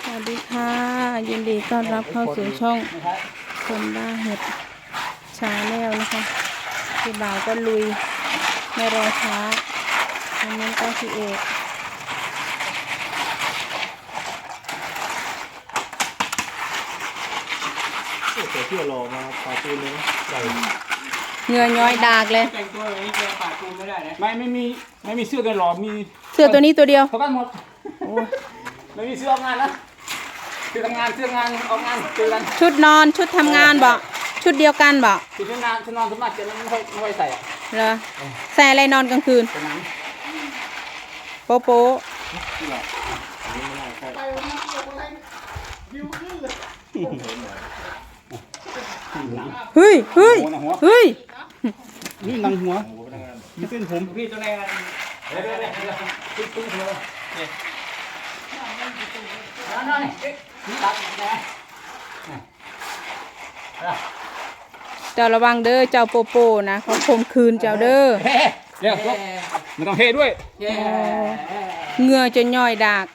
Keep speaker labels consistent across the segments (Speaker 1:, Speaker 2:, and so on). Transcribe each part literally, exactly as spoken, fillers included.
Speaker 1: วัสดีค่ะยินดีต้อนรับเข้าสู่ช่องคนบ้าเห็ดชาแนลนะคะพี่บ่าวก็ลุยไม่รอช้าอันนี้ก็พี่เอก
Speaker 2: เสือเที่ยวรอมาปาตูนเลยนะใส่
Speaker 1: เหงื่อย้อยดากเลย
Speaker 3: แต่งตัวแบบนี้แกปาดปูนไม่ได้นะ
Speaker 2: ไม่ไม่มีไม่มีเสื้อกันหรอมี
Speaker 1: เสื้อตัวนี้ตัวเดียว
Speaker 2: เท่ากันหมดไม่มีเสื้อออกงานนะเสื้อทำงานเสื้องานออกงานเจอกัน
Speaker 1: ชุดนอนชุดทำงานบอกชุดเดียวกันบอก
Speaker 2: ชุดงานชุดนอนสมัครจะไม่ค่อยไม่ค่อยใส่อะ
Speaker 1: เหรอใส่อะไรนอนกลางคืน
Speaker 2: เป็นนั้น
Speaker 1: โป๊ะโป๊ะเฮ้ยเฮ้ยเฮ้ย
Speaker 2: นี่นังหัวมีเส้นผม
Speaker 3: พี่ตัวแรก
Speaker 2: เดี๋ยวเดี๋ยวเดี๋ยวเดี๋ยวตุ้งตุ้งหัว
Speaker 3: นั่นนั่นนี่ตัดนะ
Speaker 1: เจ้าระวังเด้อเจ้าโปโปนะเขาคมคืนเจ้าเด้อ
Speaker 2: เฮ้เดี๋ยวไม่ต้องเฮ้ด้วย
Speaker 3: แย่
Speaker 1: เหงื่อจะย่อยดาก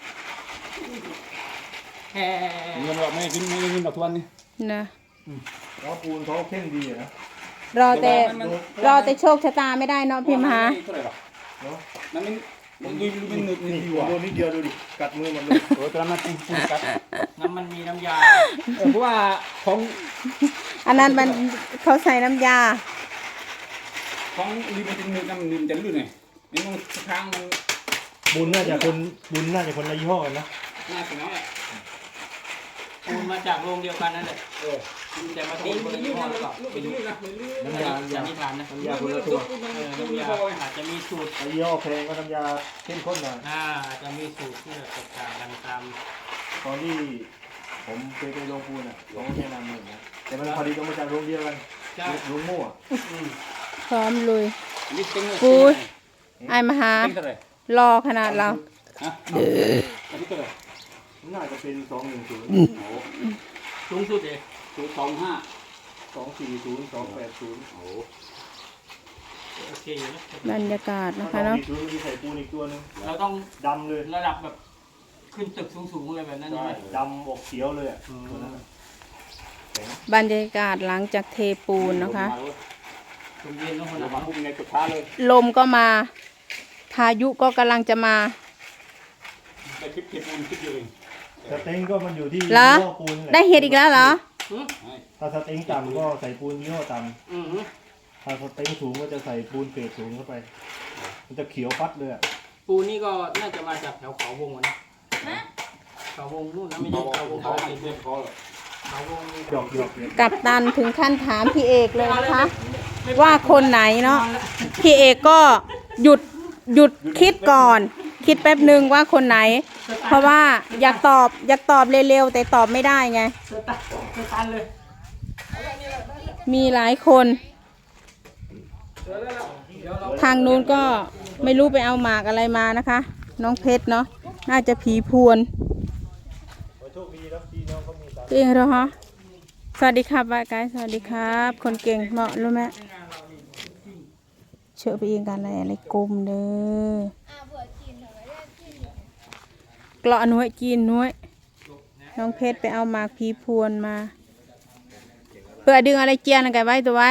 Speaker 3: แย่
Speaker 2: เงินเราไม่กินไม่กินดอกทวนนี่
Speaker 1: นะ
Speaker 4: แล้วปูนเขาเข่งดีอะนะ
Speaker 1: รอแต่รอแต่โชคชะตาไม่ได้เนาะพี่มหา
Speaker 2: เท่าไหร่หรอเนาะนั่นมันมันดูมันหนึบนี่
Speaker 4: นี่
Speaker 2: ดีกว่า
Speaker 4: โดนนิดเดียวดูดิ กัดมือมันเลย
Speaker 2: โอ้ตอนนั้นเป็นปูนกัด
Speaker 3: น้ำมันมีน้ำยา
Speaker 2: เพราะว่าของ
Speaker 1: อันนั้นมันเขาใส่น้ำยา
Speaker 2: ของรีมันจะหนึบน้ำหนึบจะลื่นไงนี่มันค้างมัน
Speaker 4: บุญน่าจะคนบุญน่าจะคนละยี่ห้อกันนะ
Speaker 2: น่าสนใจ
Speaker 3: ปูนมาจากโรงเดียวกันนั่นแหละ
Speaker 2: เออ
Speaker 3: แต่มาตีคนละยี่ห้อหรือเปล่า
Speaker 2: ลูก
Speaker 3: ไม่รู้
Speaker 2: ลื่นนะลื่น
Speaker 3: อัน
Speaker 4: น้ำ
Speaker 3: นี้
Speaker 4: ยา
Speaker 3: สันนิษฐานนะ
Speaker 4: น้ำยาคนละตัว
Speaker 3: เออน้ำยาอาจจะมีสูตร
Speaker 4: ไอ้ยี่ห้อแพงก็น้ำยาเข้มข้นหน่อย
Speaker 3: อ่าอาจจะมีสูตรที่แตกต่างกันตาม
Speaker 4: ตอนที่ผมเคยไปโรงปูนอ่ะเขาก็แนะนำเหมือนกันแต่มันพอดีต้องมาจากโรงเดียวกัน
Speaker 3: ใช่
Speaker 4: โรงมั่ว
Speaker 3: อืม
Speaker 1: พร้อมลุย
Speaker 2: นี่เต็งเลย
Speaker 1: ปุ้ย ไอ้มหา
Speaker 2: เต็งเท่าไหร่
Speaker 1: รอขนาดเรา
Speaker 2: ฮะอันนี้เท่าไหร่
Speaker 4: น่าจะเป็นสองหนึ่งศูนย์
Speaker 2: โอ้
Speaker 3: สูงสุดเลย
Speaker 2: ศูนย์สองห้า
Speaker 4: สองสี่ศูนย์สองแปดศูนย์
Speaker 2: โอ้
Speaker 3: โอเคอยู่นะ
Speaker 1: บรรยากาศ
Speaker 4: ส
Speaker 1: นะ
Speaker 4: อง
Speaker 1: คะเนาะ
Speaker 4: สี่ศูนย์มีใส่ปูนอีกตัวหนึง
Speaker 3: เราต้อง
Speaker 4: ดำเลย
Speaker 3: ระดับแบบขึ้นตึกสูงๆเลยแบบนั้นใช่ไหม
Speaker 4: ดำออกเขียวเลยอ่ะตัวนั้นอะ
Speaker 1: บรรยากาศหลังจากเทปูนนะคะ
Speaker 3: ตรงเย็นต้องคน
Speaker 2: เรา
Speaker 3: ละ
Speaker 2: มาพุ่งในจุดท้าเลย
Speaker 1: ลมก็มาพายุก็กำลังจะมา
Speaker 2: ไปคลิปเทปูนคลิปเดียวเอง
Speaker 4: สเต็งก็มันอยู่ที่
Speaker 1: เหรอ
Speaker 4: ยี่ห้อปูนนี่แหละ
Speaker 1: ได้เห็ดอีกแล้วเหรอ
Speaker 4: ถ้าสเต็งต่ำก็ใส่ปูนยี่ห้อต่
Speaker 3: อือ
Speaker 4: ำถ้าสเต็งสูงก็จะใส่ปูนเกรดสูงเข้าไป มันจะเขียวฟัดเลยอะ
Speaker 3: ปูนี่ก็น่าจะมาจากแถวเขาวงอะนะเขาวงนู่นนะไม่ใช่เขาวง
Speaker 2: เขา
Speaker 3: เขา
Speaker 2: ให้
Speaker 3: ติด
Speaker 2: เพื่อนเขาเลย
Speaker 3: เขาวง
Speaker 4: หยอกหยอกเนี่ย
Speaker 1: กับตันถึงขั้นถามพี่เอกเลยนะคะ ว่าคนไหนเนาะพี่เอกก็หยุดหยุดคิดก่อน คิดแป๊บหนึ่งว่าคนไหน เพราะว่าอยากตอบอยากตอบเร็วๆแต่ตอบไม่ได้ไง
Speaker 3: สตันสตันเลย
Speaker 1: มีหลายคน ทางนู้นก็ไม่รู้ไปเอาหมากอะไรมานะคะ น้องเพชรเนาะน่าจะผีพวน
Speaker 4: โชคดีแล้วพี่น้องเขามีสาร
Speaker 1: พี่เองเหรอฮะสวัสดีครับบายกายสวัสดีครับ คนเก่งเหมาะรู้ไหมเชื่อไปเองกันอะไรอะไรกลมเด้อเกลาะหน่วยจีนหน่วยน้องเพชรไปเอาหมากผีพวนมา เพื่อดึงอะไรเจียนกันไว้ตัวไว้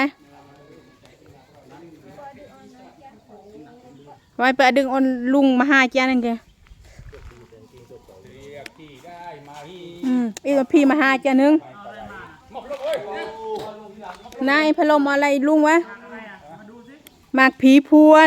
Speaker 1: ไว้เพื่อดึงอนลุงมาหาเจียนนั่นแกอืมอีกพี่มาหาเจียนนึงนายพะลมอะไรลุงวะหมากผีพวน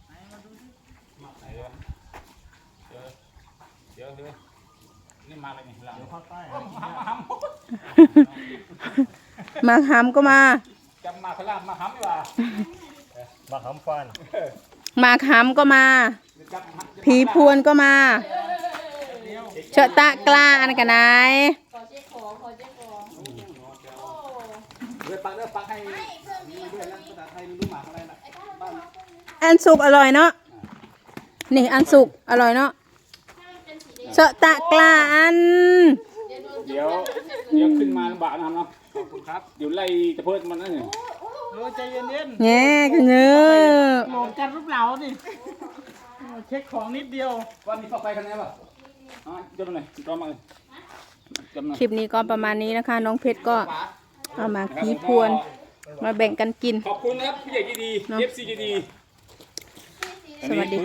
Speaker 1: หมากหำก็มา
Speaker 2: จำมาขลาดมาห้ำดีกว่า
Speaker 4: มาหำฟัน
Speaker 1: หมากหำก็มา ผีพวนก็มาเชอะตะกล้าอันกันไหน
Speaker 2: เดี๋ยวปักเดี๋ยวปักให้เพื่อนนะภาษาไทยรู้หมากอะไรนะบ้าน
Speaker 1: อันสุกอร่อยเนาะนี่อันสุกอร่อยเนาะเชอะตะกล้าอัน
Speaker 2: เดี๋ยวเดี๋ยวขึ้นมาลำบากนะครับเนาะขอบคุณครับเดี๋ยวไล่จะเพิ่มมันนั่นเนี่ย
Speaker 3: โอ้ใจเย็น
Speaker 1: แง่กันเงอ
Speaker 3: ๆโหลดกันรูปเหลาดิเช็คของนิดเดียว
Speaker 2: วันนี้เข้าไปกันไหนป่ะอ่ะเดี๋ยวดูหน่อยรอมาเลยจำนวน
Speaker 1: คลิปนี้ก็ประมาณนี้นะคะ น้องเพชรก็เอามาขีพวนมาแบ่งกันกิน
Speaker 2: ขอบคุณนะครับผู้ใหญ่ใจดี
Speaker 1: เนอะ
Speaker 2: เอฟซีใจดี
Speaker 1: สวัสดี